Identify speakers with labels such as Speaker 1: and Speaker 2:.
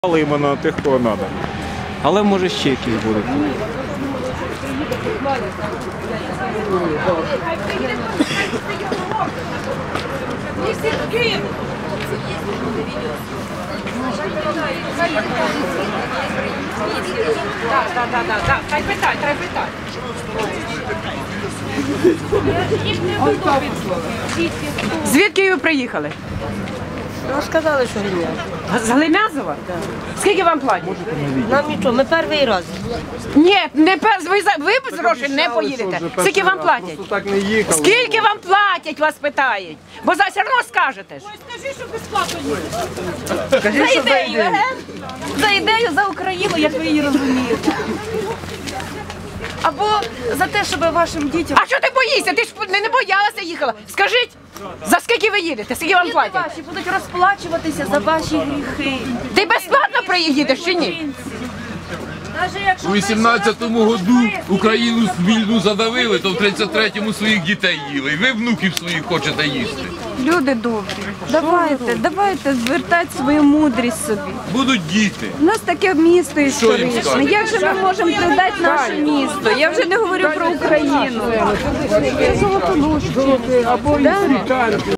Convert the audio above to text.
Speaker 1: Але іменно тих, кого треба. Але може ще якісь будуть.
Speaker 2: Так, хай питай. Звідки ви приїхали?
Speaker 3: Ну, сказали, що Глім'язова.
Speaker 2: З Глим'язова? Скільки вам платять?
Speaker 3: Нам нічого, ми перший раз.
Speaker 2: Ні, ви без грошей не поїдете. Скільки вам платять?
Speaker 1: Так не їхали.
Speaker 2: Скільки вам платять, вас питають? Бо все одно скажете ж.
Speaker 4: Скажи, що безплатно їдеш.
Speaker 2: За ідею, за ідею, за Україну, як ви її розумієте.
Speaker 4: Або за те, щоб вашим дітям...
Speaker 2: А що ти боїшся? Ти ж не боялася їхала. Скажіть, за скільки ви їдете? Скільки вам
Speaker 4: Діти
Speaker 2: платять?
Speaker 4: ваші будуть розплачуватися за ваші гріхи.
Speaker 2: Ти безплатно приїдеш чи ні?
Speaker 5: У 18-му году Україну вільну задавили, то в 33-му своїх дітей їли. І ви внуків своїх хочете їсти.
Speaker 6: Люди добрі, давайте звертати свою мудрість собі.
Speaker 5: Будуть діти.
Speaker 6: У нас таке місто історичне.
Speaker 5: скажете?
Speaker 6: Як же ми можемо продати наше місто? Я вже не говорю про Україну.
Speaker 1: Або